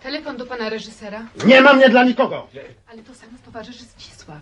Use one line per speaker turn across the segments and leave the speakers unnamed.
Telefon do pana reżysera.
Nie ma mnie dla nikogo.
Ale to samo towarzyszy Zdzisław.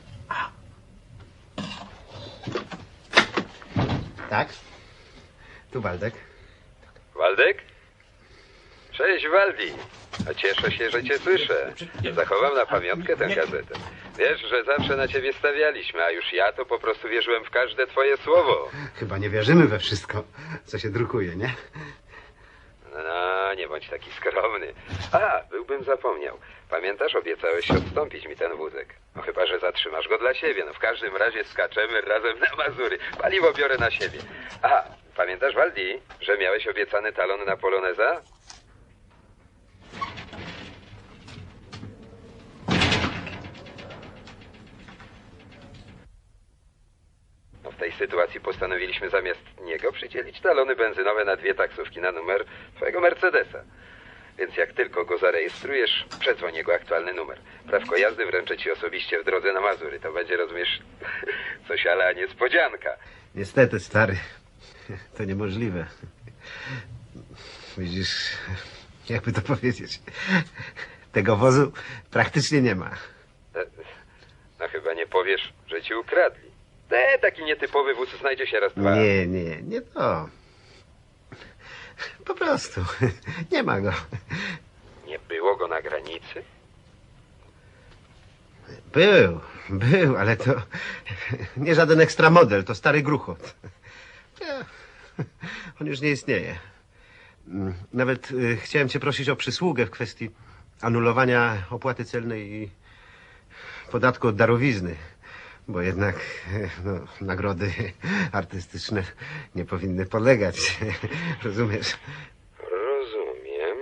Tak? Tu Waldek.
Waldek? Cześć, Waldi. A cieszę się, że cię słyszę. Zachowam na pamiątkę tę gazetę. Wiesz, że zawsze na ciebie stawialiśmy, a już ja to po prostu wierzyłem w każde twoje słowo.
Chyba nie wierzymy we wszystko, co się drukuje, nie?
No, nie bądź taki skromny. A, byłbym zapomniał. Pamiętasz, obiecałeś odstąpić mi ten wózek. No chyba, że zatrzymasz go dla siebie. No w każdym razie skaczemy razem na Mazury. Paliwo biorę na siebie. A, pamiętasz, Waldi, że miałeś obiecany talon na Poloneza? No w tej sytuacji postanowiliśmy zamiast niego przydzielić talony benzynowe na 2 taksówki na numer twojego Mercedesa. Więc jak tylko go zarejestrujesz, przedzwoń jego aktualny numer. Prawko jazdy wręczę ci osobiście w drodze na Mazury. To będzie, rozumiesz, coś ala niespodzianka.
Niestety, stary, to niemożliwe. Widzisz, jakby to powiedzieć, tego wozu praktycznie nie ma.
No chyba nie powiesz, że ci ukradli. Taki nietypowy wóz znajdzie się raz dwa.
Nie to. Po prostu, nie ma go.
Nie było go na granicy?
Był, ale to nie żaden ekstra model, to stary gruchot. On już nie istnieje. Nawet chciałem cię prosić o przysługę w kwestii anulowania opłaty celnej i podatku od darowizny, bo jednak no, nagrody artystyczne nie powinny polegać. Rozumiesz?
Rozumiem.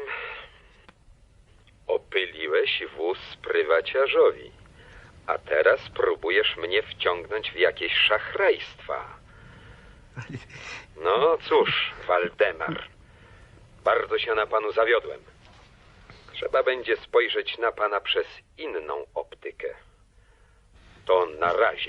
Opyliłeś wóz prywaciarzowi, a teraz próbujesz mnie wciągnąć w jakieś szachrajstwa. No cóż, Waldemar, bardzo się na panu zawiodłem. Trzeba będzie spojrzeć na pana przez inną optykę. To na razie.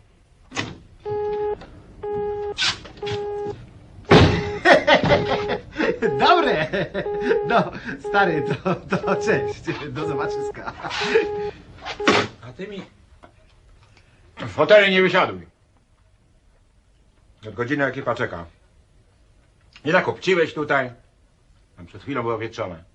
Dobre! No, stary, to cześć. Do zobaczyska.
A ty mi w hotelu nie wysiaduj. Od godziny ekipa czeka. Nie zakopciłeś tutaj. Tam przed chwilą było wietrzone.